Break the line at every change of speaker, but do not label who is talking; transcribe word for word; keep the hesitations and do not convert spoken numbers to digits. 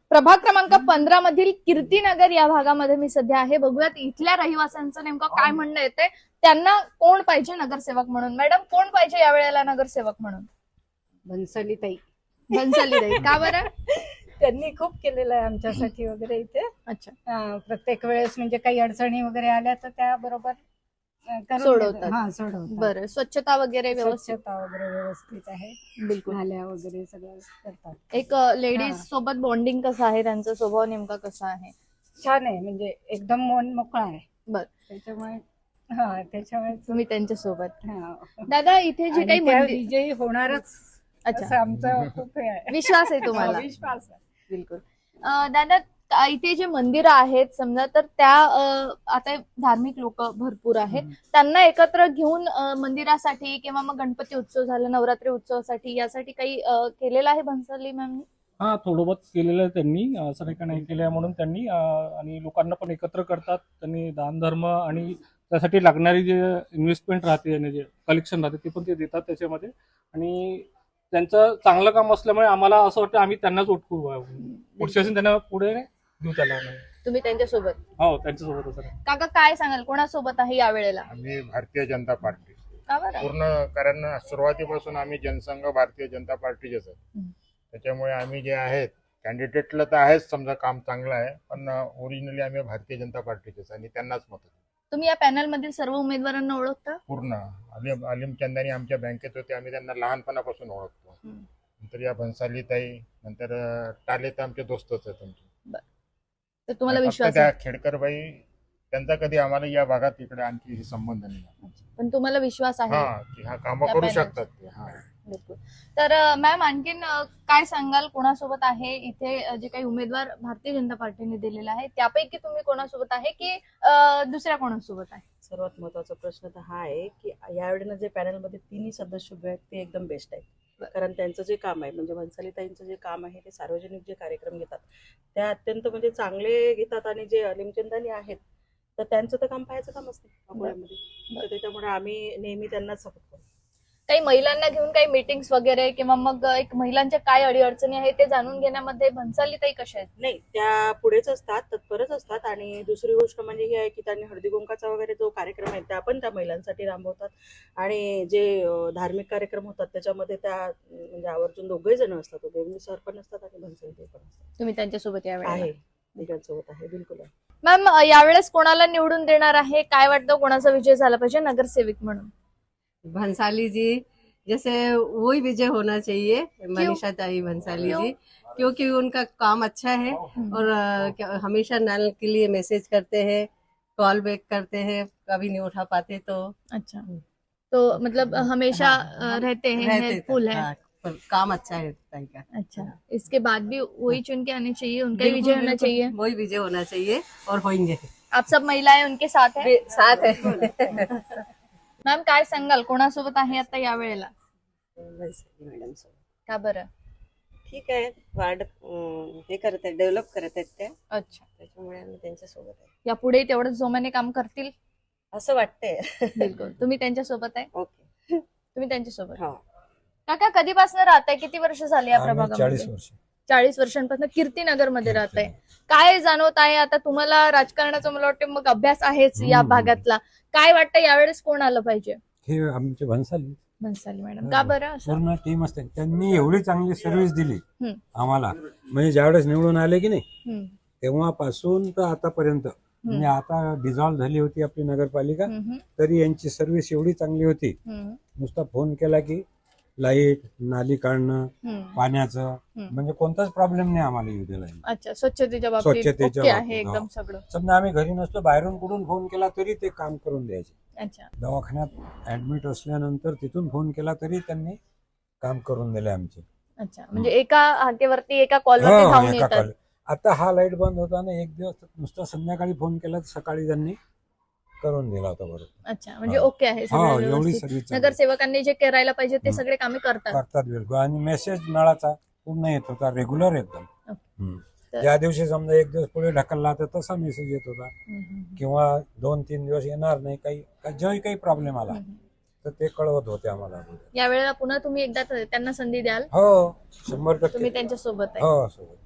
प्रभाग क्रमांक पंधरा मधील कीर्तीनगर या भागामध्ये मी सध्या आहे. बघूयात इथल्या रहिवाशांचं नेमकं काय म्हणणं येते. त्यांना कोण पाहिजे नगरसेवक म्हणून. मॅडम, कोण पाहिजे यावेळेला नगरसेवक म्हणून?
भन्साली ताई.
भन्साली ताई. का बरं?
त्यांनी खूप केलेलं आहे आमच्यासाठी वगैरे इथे.
अच्छा.
अं, प्रत्येक वेळेस म्हणजे काही अडचणी वगैरे आल्या तर त्या बरोबर अं, करून
सोडवतात.
देतात. हा सोडवतात.
बरं, स्वच्छता वगैरे व्यवस्थित?
स्वच्छता वगैरे व्यवस्थित आहे.
बिलकुल.
नाल्या वगैरे सगळं करतात.
एक लेडीज
हा.
सोबत बॉन्डिंग कसं आहे, त्यांचा स्वभाव नेमका कसा आहे?
छान आहे, म्हणजे एकदम मन मोकळा आहे.
बर,
त्याच्यामुळे हा त्याच्यामुळे
तुम्ही त्यांच्या सोबत.
हा.
दादा, इथे जे
आणि
काही
त्या
मंदिर.
विजयी होणारच
अच्छा,
असं आमचं खूप हे आहे.
विश्वास आहे तुम्हाला?
हा, विश्वास आहे.
बिलकुल. अं, दादा, अं, इथे जे मंदिर आहेत समजा, तर त्या अं, आता धार्मिक लोक भरपूर आहेत, त्यांना एकत्र घेऊन अं, मंदिरासाठी किंवा मग गणपती उत्सव झाला, नवरात्री उत्सवासाठी, यासाठी काही अं, केलेलं आहे भन्साली मॅमनी?
हा, थोडं बहुत केलेलं आहे त्यांनी, असं नाही का नाही केलं आहे म्हणून त्यांनी. अं, आणि लोकांना पण एकत्र करतात त्यांनी. दानधर्म आणि त्यासाठी लागणारी जे इन्व्हेस्टमेंट राहते आणि जे कलेक्शन राहते ते पण ते देतात त्याच्यामध्ये. आणि त्यांचं चांगलं काम असल्यामुळे आम्हाला असं वाटतं आम्ही त्यांनाच वोट करू, पुढच्या वेळेस त्यांना पुढे देऊ त्याला.
तुम्ही त्यांच्यासोबत?
हो, त्यांच्यासोबतच आहे.
काका, काय सांगाल, कोणासोबत आहे यावेळेला?
आम्ही भारतीय जनता पार्टी
का बरं?
पूर्ण, कारण सुरुवातीपासून आम्ही जनसंघ भारतीय जनता पार्टीचेच आहेत.
हम्म.
त्याच्यामुळे आम्ही जे आहेत कॅन्डिडेटला तर आहेच, समजा काम चांगलं आहे, पण ओरिजिनली आम्ही भारतीय जनता पार्टीचेच आणि त्यांनाच मत.
तुम्ही या पॅनल मधील सर्व उमेदवारांना ओळखता?
पूर्ण अलिम अलिम चंदानी आमच्या बँकेत होते, आम्ही त्यांना लहानपणापासून ओळखतो.
हम्म.
नंतर या भन्साली ताई, नंतर अं, टाले तर आमचे दोस्तच आहेत आमचे.
तर तुम्हाला
फक्त
विश्वास
त्या
आहे?
खेडकरबाई, त्यांचा कधी आम्हाला या भागात इकडे आणखी संबंध नाही.
पण तुम्हाला विश्वास आहे?
हा, की हा कामं
त्या
करू
पॅनलचं.
शकतात ते. हा.
बिलकुल. तर मॅम, आणखीन अ, काय सांगाल, कोणासोबत आहे इथे अ, जे काही उमेदवार भारतीय जनता पार्टीने दिलेला आहे त्यापैकी तुम्ही कोणासोबत आहे की अ, दुसऱ्या कोणासोबत आहे?
सर्वात महत्वाचा प्रश्न तर हा आहे की यावेळेला जे पॅनलमध्ये तिन्ही सदस्य उभे आहेत ते एकदम बेस्ट आहेत. कारण त्यांचं जे काम आहे, म्हणजे भन्सालीताईंचं जे काम आहे, ते सार्वजनिक जे कार्यक्रम घेतात त्या अत्यंत म्हणजे चांगले घेतात. आणि जे अलिमचंदानी आहेत तर त्यांचं तर काम पाहायचं काम असते अकोल्यामध्ये. तर त्याच्यामुळे आम्ही नेहमी त्यांनाच सपोर्ट करतो.
काही महिलांना घेऊन काही मीटिंग्स वगैरे किंवा मग एक महिलांच्या काय अडीअडचणी आहेत ते जाणून घेण्यामध्ये भन्सालीताई कशा आहेत?
नाही, त्या पुढेच असतात, तत्परच असतात. आणि दुसरी गोष्ट म्हणजे ही आहे की त्यांनी हळदी कुंकाचा वगैरे जो कार्यक्रम आहे त्या पण त्या महिलांसाठी राबवतात. आणि जे अं, धार्मिक कार्यक्रम होतात त्याच्यामध्ये त्या अं, म्हणजे आवर्जून दोघे जण असतात, दोघे सर पण असतात आणि भन्सालीताई पण असतात.
तुम्ही त्यांच्यासोबत यावेळेला
आहे, तिघांसोबत आहे, बिलकुल आहे.
मॅम, अ, यावेळेस कोणाला निवडून देणार आहे? काय वाटतं, कोणाचा विजय झाला पाहिजे नगरसेवक म्हणून?
भंसाली जी, जैसे वही विजय होना चाहिए, मनीषा ताई भंसाली
क्यों?
जी, क्योंकि उनका काम अच्छा है और अ, क्या- हमेशा नल के लिए मैसेज करते हैं, कॉल बैक करते हैं, कभी नहीं उठा पाते तो
अच्छा, तो मतलब अ, हमेशा अ, रहते हैं,
रहते
हेल्पफुल है।
हाँ, पर काम अच्छा है ताई का।
अच्छा, इसके बाद भी वही चुन के आने चाहिए, उनका ही विजय
बिल्कुल,
होना
बिल्कुल,
चाहिए।
वही विजय होना चाहिए और होंगे।
आप सब महिलाएं उनके साथ हैं?
साथ है।
मॅम, काय सांगाल, कोणासोबत आहे आता यावेळेला?
मॅडम
का बरं?
ठीक आहे, वार्ड अं, हे करत आहेत, डेव्हलप करत आहेत त्या,
अच्छा,
त्याच्यामुळे आम्ही त्यांच्यासोबत आहे
यापुढे तेवढंच जोमाने काम करतील?
असं वाटतंय.
बिलकुल. तुम्ही त्यांच्यासोबत आहे?
ओके.
तुम्ही त्यांच्यासोबत?
हा,
काका, कधीपासून राहताय? किती वर्ष झाली या
आम्ही
प्रभागामध्ये?
चाळीस वर्ष
चाळीस वर्षांपासून कीर्तीनगर मध्ये राहताय. काय जाणवत आहे आता तुम्हाला? राजकारणाचा मला वाटतं मग अभ्यास आहेच या
हम्म.
भागातला. काय वाटतं यावेळेस कोण आलं पाहिजे?
हे आमचे भन्साली
भन्साली मॅडम. का बरं असं?
पूर्ण टीम असते, त्यांनी एवढी चांगली सर्व्हिस दिली
हम्म.
आम्हाला. म्हणजे ज्यावेळेस निवडून आले की नाही
हम्म.
तेव्हापासून तर आतापर्यंत, म्हणजे आता डिझॉल्व्ह झाली होती आपली नगरपालिका,
हम्म.
तरी यांची सर्व्हिस एवढी चांगली होती.
हम्म.
नुसता फोन केला की लाईट, नाली काढणं,
हम्म.
पाण्याचं,
हम्म.
म्हणजे कोणताच प्रॉब्लेम नाही आम्हाला येऊ दिला.
अच्छा, स्वच्छतेच्या बाबतीत
स्वच्छतेच्या
ओके आहे
बाबतीत,
एकदम
हो.
सगळं.
समजा आम्ही घरी नसतो, बाहेरून कुठून फोन केला तरी ते काम करून द्यायचे.
अच्छा,
दवाखान्यात ऍडमिट असल्यानंतर तिथून फोन केला तरी त्यांनी काम करून दिले आमचे.
अच्छा, म्हणजे एका हाकेवरती, एका कॉलवरती
हो,
धावून
एका
येतात.
call. आता हा लाईट बंद होता ना एक दिवस, नुसता संध्याकाळी फोन केला तर सकाळी त्यांनी करून दिला होता बरोबर.
अच्छा, म्हणजे
हा.
ओके आहे
हो,
सगळं
एवढी
व्यवस्थित.
सर्व्हिस
नगरसेवकांनी जे करायला पाहिजे ते
हम्म.
सगळे कामे करतात.
करतात बिलकुल. आणि मेसेज नळाचा पूर्ण येत होता, रेग्युलर एकदम. हम्म.
तर-
ज्या दिवशी समजा एक दिवस पुढे ढकलला तर तसा मेसेज येत होता,
हम्म, हम्म,
किंवा दोन तीन दिवस येणार नाही, काही जेव्हा काही प्रॉब्लेम आला
हम्म.
तर ते कळवत होते आम्हाला.
यावेळेला पुन्हा तुम्ही एकदा त्यांना संधी द्याल?
हो, शंभर
तुम्ही
टक्के.
त्यांच्या सोबत आहे?
हो, सोबत.